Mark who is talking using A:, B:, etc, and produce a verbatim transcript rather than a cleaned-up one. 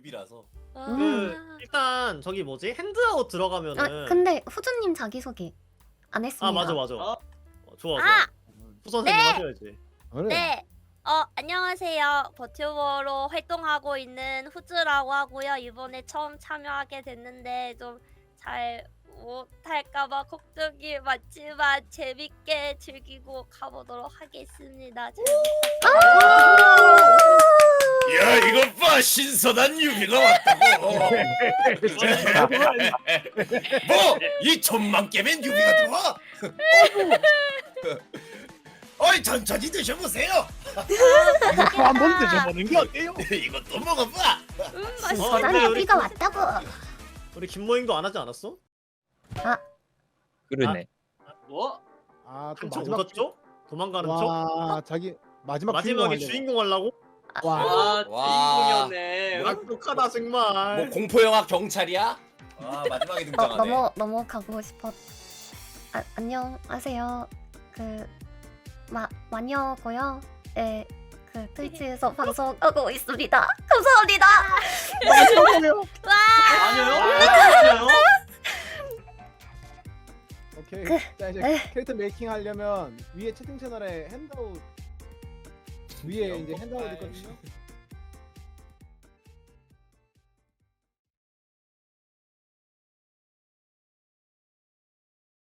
A: 뉴비라서.
B: 아.
C: 그 일단 저기 뭐지 핸드아웃 들어가면은
B: 아 근데 후주님 자기소개 안 했습니다.
C: 아 맞아 맞아.
D: 어?
C: 어, 좋아 좋아.
E: 아!
C: 후 선생님
E: 네!
C: 하셔야지.
F: 그래.
E: 네. 어, 안녕하세요. 버튜버로 활동하고 있는 후즈라고 하고요. 이번에 처음 참여하게 됐는데 좀 잘 못할까봐 걱정이 많지만 재밌게 즐기고 가보도록 하겠습니다. 잘
A: 야 이것 봐 신선한 뉴비가 왔다고. 뭐 이 천만 개의 뉴비가 들어와? 어이 천천히 드셔보세요.
F: 이거 한번 드셔보는 게 어때요?
A: 이것도 먹어봐.
E: 음,
C: 어,
E: 맛있어.
C: 근데
B: 저런
C: 우리
B: 얘기가 왔다고.
C: 우리 김모잉도 안 하지 않았어?
G: 그러네.
D: 뭐?
F: 아, 또
C: 한쪽
F: 마지막
C: 얻었죠? 도망가는 쪽?
F: 와, 자기 마지막
C: 마지막에
F: 주인공
C: 주인공 하려고?
F: 와,
D: 와
A: 와.
D: 주인공이었네.
C: 똑똑하다 정말.
A: 뭐 공포 영화 경찰이야? 아 마지막에
B: 어,
A: 등장하네.
B: 넘어 넘어가고 싶어. 아, 안녕하세요. 그 마, 마녀고요. 네, 그 트위치에서 방송하고 있습니다. 감사합니다.
F: 마지막이에요.
D: 아니요? 아니요?
F: 오케이.
B: 그,
F: 자 이제
B: 에.
F: 캐릭터 메이킹 하려면 위에 채팅 채널에 핸드아웃 위에 이제 핸드아웃 있거든요.